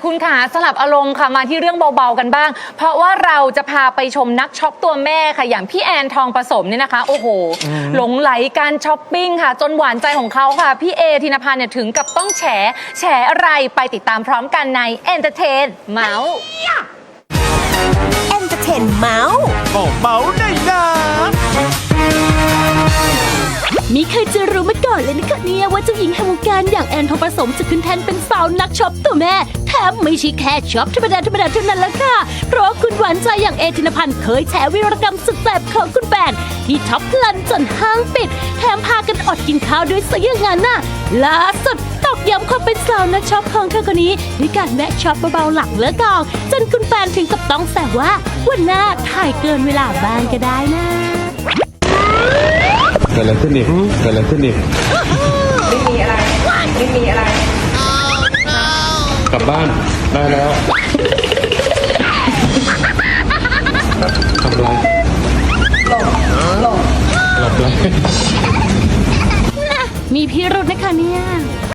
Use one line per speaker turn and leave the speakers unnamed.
คุณขาสลับอารมณ์ค่ะมาที่เรื่องเบาๆกันบ้างเพราะว่าเราจะพาไปชมนักช็อปตัวแม่ค่ะอย่างพี่แอนทองผสมเนี่ยนะคะโอ้โหหลงไหลการช้อปปิ้งค่ะจนหวานใจของเขาค่ะพี่เอธินภัณฑ์เนี่ยถึงกับต้องแฉอะไรไปติดตามพร้อมกันใน Entertain เมาส์
Entertain เมาส์
ก็เมาได้นะ
มีใครจะรู้มาก่อนเลยนะคะเนี่ยว่าเจ้าหญิงแห่งวงการอย่างแอนทองผสมจะขึ้นแทนเป็นสาวนักช็อปตัวแม่แถมไม่ใช่แค่ช็อปธรรมดาเท่านั้นละค่ะเพราะคุณหวานใจอย่างเอธินภัณฑ์เคยแฉวีรกรรมสุดแสบของคุณแฟนที่ช็อปพลันจนห้างปิดแถมพากันอดกินข้าวด้วยซะอย่างนั้นน่ะล่าสุดตอกย้ำความเป็นสาวนักช็อปของเธอคนนี้ด้วยการแวะช็อปเบาๆหลังเลิกกองจนคุณแฟนถึงกับต้องแซวว่าวันหน้าถ่ายเกินเวลาบ้างก็ได้นะ
เกิดอะไรขึ้นอีกเกิดอะไรขึ้นอีก
ไม่มีอะไร
กลับบ้านได้แล้วทำไรหลบเลย
มีพิรุธนะคะเนี่ย